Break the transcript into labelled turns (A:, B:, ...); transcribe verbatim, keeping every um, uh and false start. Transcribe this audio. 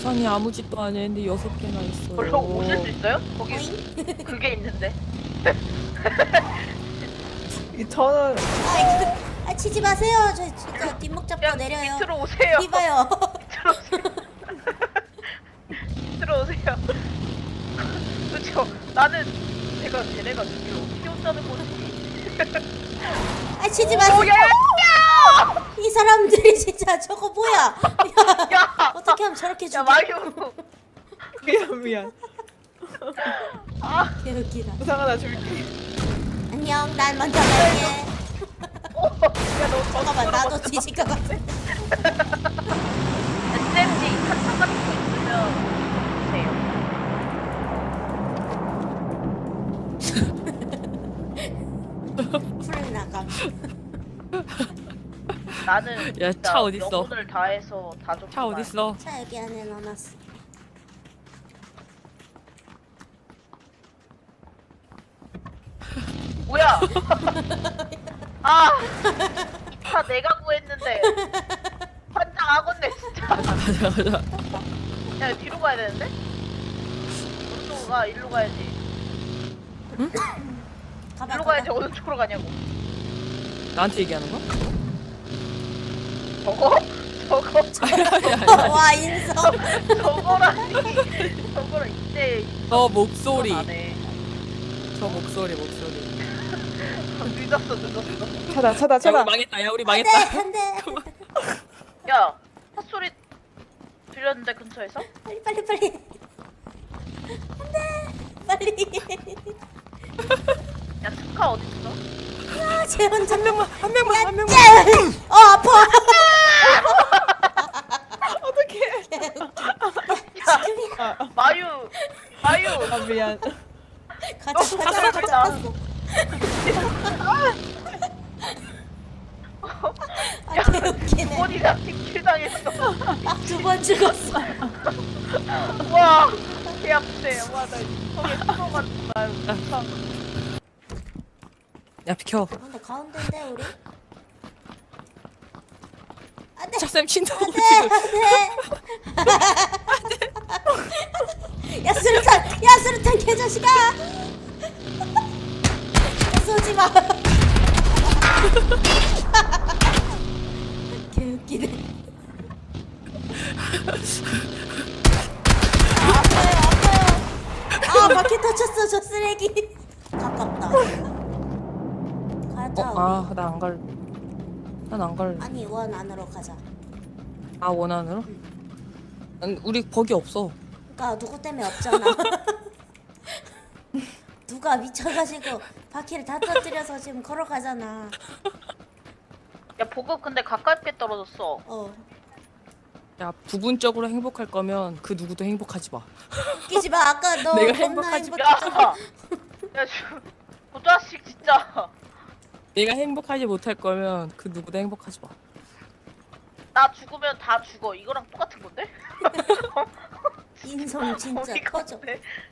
A: 우산이 아무 짓도 안 했는데 여섯 개나 있어요.
B: 별로 오실 수 있어요? 거기
C: 오잉?
B: 그게 있는데.
D: 이 저는
C: 아, 그, 아 치지 마세요. 저 진짜 뒷목 잡고
B: 그냥
C: 내려요.
B: 밑으로 오세요.
C: 이봐요.
B: 밑으로 오세요. 밑으로 오세요. 그쵸? 나는 제가 쟤네가 저기를 어떻게 온다는 거지?
C: 아 치지 마세요.
B: 오, 야, 야!
C: 이 사람들이 진짜 저거 뭐야? 야,
B: 야!
C: 어떻게 하면 저렇게
B: 야,
C: 죽여?
B: 마유!
D: 미안 미안.
B: 아,
C: 개웃기다.
D: 우상 하나 줄게.
C: 안녕, 난 먼저 갈게.
B: 오! 야, 너
C: 잠깐만, 나도 뒤질 것 같아.
B: 에스엠지 탄창 같은 거 있으면
C: 풀 나감.
B: 나는
A: 야,
B: 진짜
A: 차 어딨어?
B: 영혼을 다해서 다 줬구만.
A: 차 어딨어?
C: 차 여기 안에 넣어놨어.
B: 뭐야? 아, 이 차 내가 구했는데 환장하겠네 진짜.
A: 가자 가자.
B: 야, 뒤로 가야 되는데? 오른쪽으로 가, 일로 가야지.
C: 가봐,
B: 일로
C: 가봐.
B: 가야지 어느 쪽으로 가냐고.
A: 나한테 얘기하는 거야?
B: 저거? 저거?
C: 와, 인성.
B: 저거라니. 저거라 이때
A: 저 목소리.
B: 안해.
A: 저 목소리 목소리.
B: 늦었어 늦었어.
D: 차다 차다
A: 야
D: 차다.
A: 우리 망했다. 야 우리
C: 안
A: 망했다.
C: 돼, 안 돼.
B: 야, 핫소리 들렸는데 근처에서?
C: 빨리, 빨리, 빨리. 안 돼. 빨리.
B: 야, 스카 어딨어?
C: 아, 쟤 혼자.
A: 한 명만 한 명만 한 명만.
C: 어, 아파.
D: 어떡해.
B: 야, 마유, 마유.
D: 아 미안.
C: 가자,
B: 어,
C: 가자,
B: 가자,
C: 가자.
B: 가자.
C: 아, 개웃기네.
B: 번이나 딜킬 당했어.
C: 아, 두 번 죽었어.
B: 와, 개 아프네. 와, 나 속에 풀어갔다.
A: 야 비켜.
C: 근데 가운데인데, 우리? 안 돼.
A: 차쌤 친다.
C: 안 돼, 안 돼. 야, 수류탄! 야, 수류탄 개자식아! 쏘지 마. 개웃기네. 아, 아파요, 아파요. 아, 바퀴 터쳤어, 저 쓰레기. 가깝다. 가자, 우리.
A: 어아나 안 갈. 난 안 갈래.
C: 아니, 원 안으로 가자.
A: 아 원안으로? 아니, 우리 거기 없어.
C: 그니까 누구 때문에 없잖아. 누가 미쳐가지고 바퀴를 다 터뜨려서 지금 걸어가잖아.
B: 야, 보급 근데 가깝게 떨어졌어.
C: 어.
A: 야 부분적으로 행복할 거면 그 누구도 행복하지 마.
C: 웃기지 마. 아까 너
A: 내가
C: 겁나
A: 행복하지
B: 야,
C: 행복했잖아.
B: 야, 저, 그 자식 진짜.
A: 내가 행복하지 못할 거면 그 누구도 행복하지 마.
B: 나 죽으면 다 죽어. 이거랑 똑같은 건데?
C: 인성 진짜
B: 어이가
C: 터져.
B: 없네.